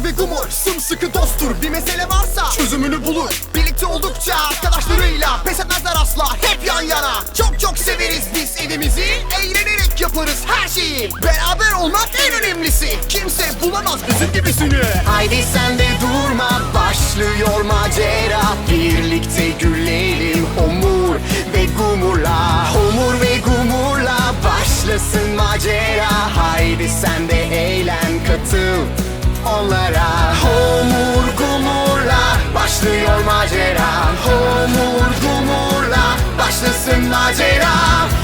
Homur ve Gumur sımsıkı dosttur. Bir mesele varsa çözümünü bulur. Birlikte oldukça arkadaşlarıyla pes etmezler asla, hep yan yana. Çok çok severiz biz evimizi, eğlenerek yaparız her şeyi. Beraber olmak en önemlisi, kimse bulamaz bizim gibisini. Haydi sen de durma, başlıyor macera. Birlikte gülelim Homur ve Gumur'la. Homur ve Gumur'la başlasın macera. Haydi sen de eğlen, katıl onlara. Homur Gumur'la başlıyor macera. Homur Gumur'la başlasın macera.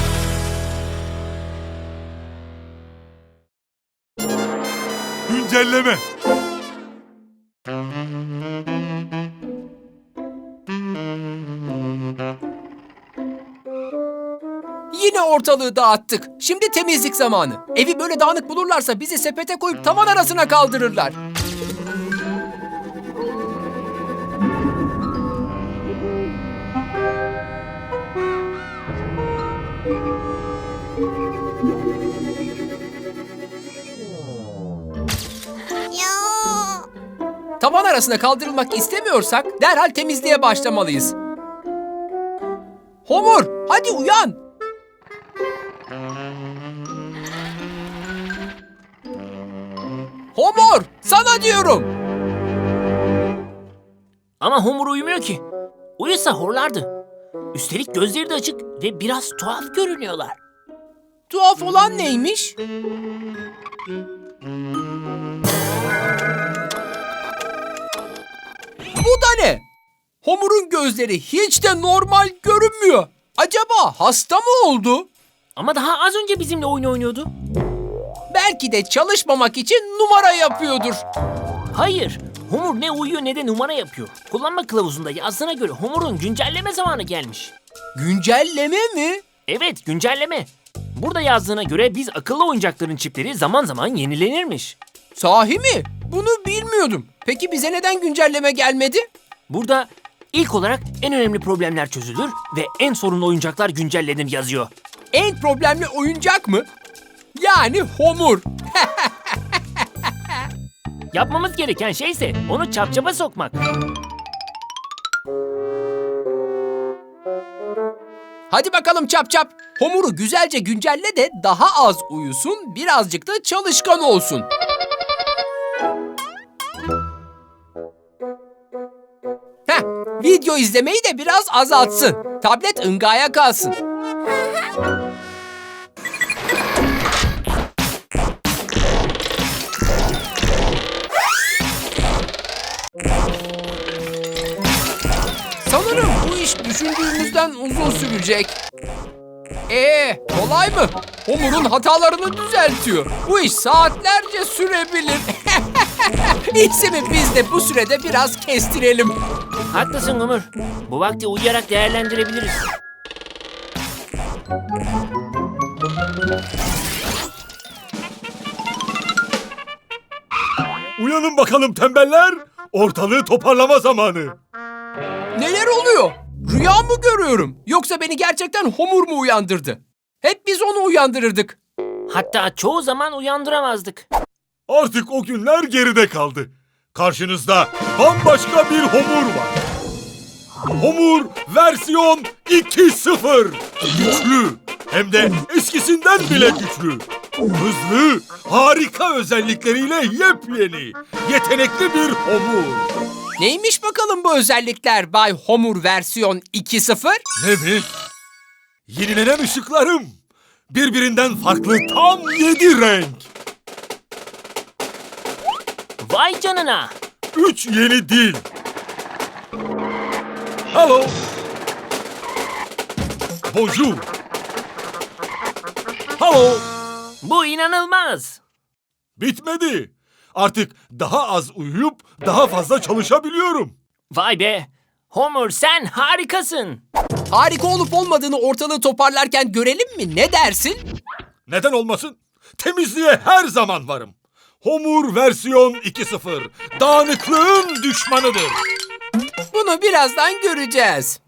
Güncelleme. Yine ortalığı dağıttık. Şimdi temizlik zamanı. Evi böyle dağınık bulurlarsa bizi sepete koyup tavan arasına kaldırırlar. Tavan arasına kaldırılmak istemiyorsak derhal temizliğe başlamalıyız. Homur, hadi uyan. Homur, sana diyorum. Ama Homur uyumuyor ki. Uyusa horlardı. Üstelik gözleri de açık ve biraz tuhaf görünüyorlar. Tuhaf olan neymiş? Bu da ne? Homur'un gözleri hiç de normal görünmüyor. Acaba hasta mı oldu? Ama daha az önce bizimle oyun oynuyordu. Belki de çalışmamak için numara yapıyordur. Hayır, Homur ne uyuyor ne de numara yapıyor. Kullanma kılavuzunda yazdığına göre Homur'un güncelleme zamanı gelmiş. Güncelleme mi? Evet, güncelleme. Burada yazdığına göre biz akıllı oyuncakların çipleri zaman zaman yenilenirmiş. Sahi mi? Bunu bilmiyordum. Peki bize neden güncelleme gelmedi? Burada ilk olarak en önemli problemler çözülür ve en sorunlu oyuncaklar güncellenir yazıyor. En problemli oyuncak mı? Yani Homur. Yapmamız gereken şey ise onu çapçapa sokmak. Hadi bakalım çap çap. Homur'u güzelce güncelle de daha az uyusun, birazcık da çalışkan olsun. Heh, video izlemeyi de biraz azaltsın. Tablet ıngaya kalsın. Sanırım bu iş düşündüğümüzden uzun sürecek. Kolay mı? Homur'un hatalarını düzeltiyor. Bu iş saatlerce sürebilir. İyisi mi biz de bu sürede biraz kestirelim. Haklısın Homur. Bu vakti uyuyarak değerlendirebiliriz. Uyanın bakalım tembeller. Ortalığı toparlama zamanı. Neler oluyor? Rüya mı görüyorum? Yoksa beni gerçekten Homur mu uyandırdı? Hep biz onu uyandırırdık. Hatta çoğu zaman uyandıramazdık. Artık o günler geride kaldı. Karşınızda bambaşka bir Homur var. Homur versiyon 2.0. Güçlü. Hem de eskisinden bile güçlü. Hızlı, harika özellikleriyle yepyeni, yetenekli bir Homur. Neymiş bakalım bu özellikler Bay Homur versiyon 2.0? Ne mi? Yenilenen ışıklarım. Birbirinden farklı tam 7 renk. Vay canına! 3 yeni dil. Hello. Bonjour. Hello. Bu inanılmaz! Bitmedi. Artık daha az uyuyup daha fazla çalışabiliyorum. Vay be! Homur sen harikasın! Harika olup olmadığını ortalığı toparlarken görelim mi? Ne dersin? Neden olmasın? Temizliğe her zaman varım. Homur versiyon 2.0. Dağınıklığın düşmanıdır. Bunu birazdan göreceğiz.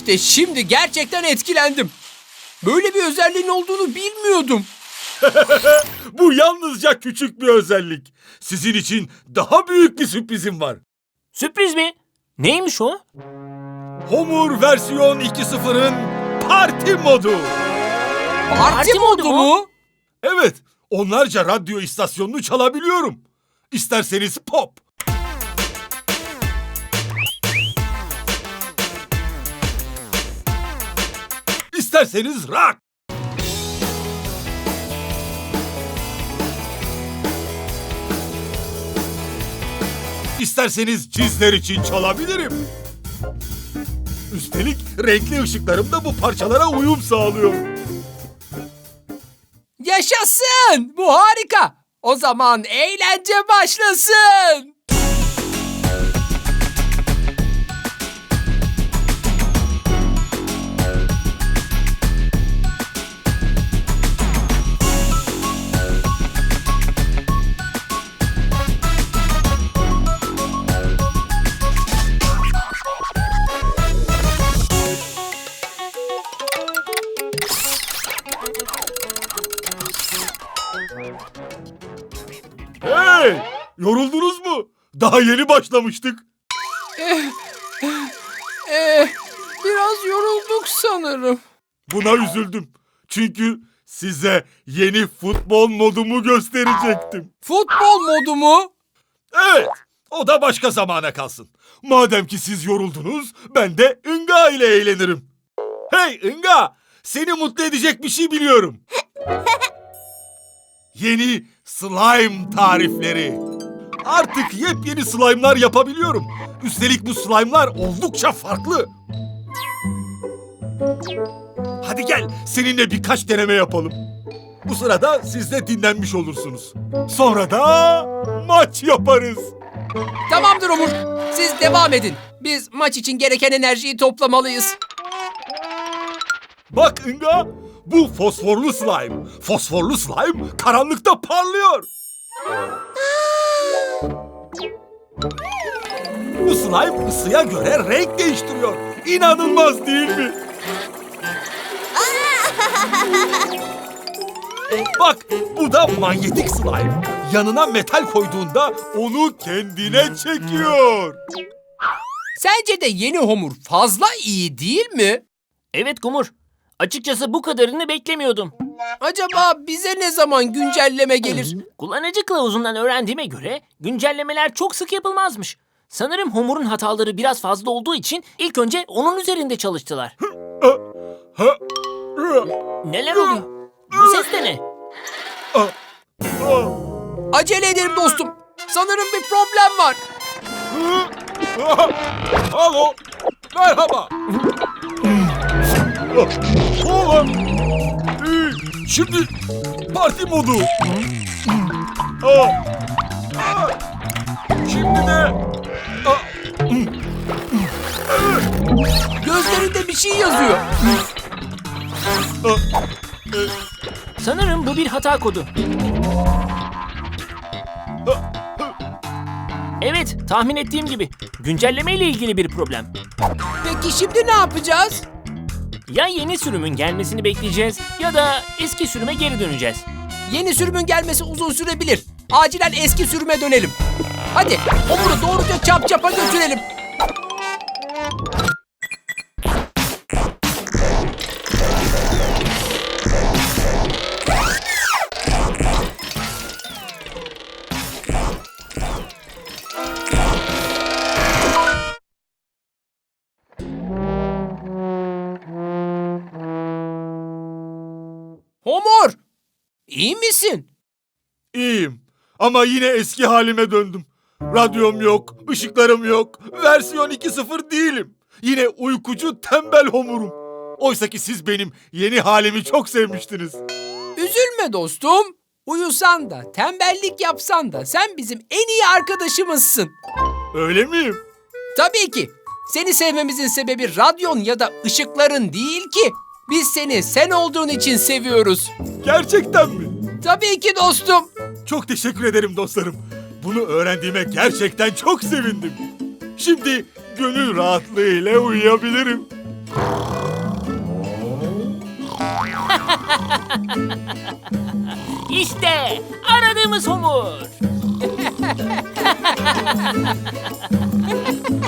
İşte şimdi gerçekten etkilendim. Böyle bir özelliğin olduğunu bilmiyordum. Bu yalnızca küçük bir özellik. Sizin için daha büyük bir sürprizim var. Sürpriz mi? Neymiş o? Homur versiyon 2.0'ın parti modu. Parti modu mu? Evet, onlarca radyo istasyonunu çalabiliyorum. İsterseniz pop, İsterseniz rock, İsterseniz cizler için çalabilirim. Üstelik renkli ışıklarım da bu parçalara uyum sağlıyor. Yaşasın! Bu harika. O zaman eğlence başlasın. Hey! Yoruldunuz mu? Daha yeni başlamıştık. Biraz yorulduk sanırım. Buna üzüldüm. Çünkü size yeni futbol modumu gösterecektim. Futbol modu mu? Evet, o da başka zamana kalsın. Madem ki siz yoruldunuz, ben de Inga ile eğlenirim. Hey Inga, seni mutlu edecek bir şey biliyorum. Yeni slime tarifleri. Artık yepyeni slime'lar yapabiliyorum. Üstelik bu slime'lar oldukça farklı. Hadi gel, seninle birkaç deneme yapalım. Bu sırada siz de dinlenmiş olursunuz. Sonra da maç yaparız. Tamamdır Umur. Siz devam edin. Biz maç için gereken enerjiyi toplamalıyız. Bak Inga, bu fosforlu slime. Fosforlu slime karanlıkta parlıyor. Bu slime ısıya göre renk değiştiriyor. İnanılmaz değil mi? Bak, bu da manyetik slime. Yanına metal koyduğunda onu kendine çekiyor. Sence de yeni Homur fazla iyi değil mi? Evet Kumur. Açıkçası bu kadarını beklemiyordum. Acaba bize ne zaman güncelleme gelir? Kullanıcı kılavuzundan öğrendiğime göre güncellemeler çok sık yapılmazmış. Sanırım Homur'un hataları biraz fazla olduğu için ilk önce onun üzerinde çalıştılar. Ha, Neler oluyor? Bu ses de ne? Acele edelim dostum. Sanırım bir problem var. Alo, merhaba. Oğlum. Şimdi parti modu. Şimdi de Gözlerinde bir şey yazıyor. Sanırım bu bir hata kodu. Evet, tahmin ettiğim gibi. Güncelleme ile ilgili bir problem. Peki şimdi ne yapacağız? Ya yeni sürümün gelmesini bekleyeceğiz ya da eski sürüme geri döneceğiz. Yeni sürümün gelmesi uzun sürebilir. Acilen eski sürüme dönelim. Hadi Homur'u doğruca çap çapa götürelim. Homur! İyi misin? iyiyim. Ama yine eski halime döndüm. Radyom yok, ışıklarım yok. Versiyon 2.0 değilim. Yine uykucu tembel homurum. Oysa ki siz benim yeni halimi çok sevmiştiniz. Üzülme dostum. Uyusan da, tembellik yapsan da sen bizim en iyi arkadaşımızsın. Öyle miyim? Tabii ki. Seni sevmemizin sebebi radyon ya da ışıkların değil ki. Biz seni sen olduğun için seviyoruz. Gerçekten mi? Tabii ki dostum. Çok teşekkür ederim dostlarım. Bunu öğrendiğime gerçekten çok sevindim. Şimdi gönül rahatlığıyla uyuyabilirim. İşte aradığımız Homur.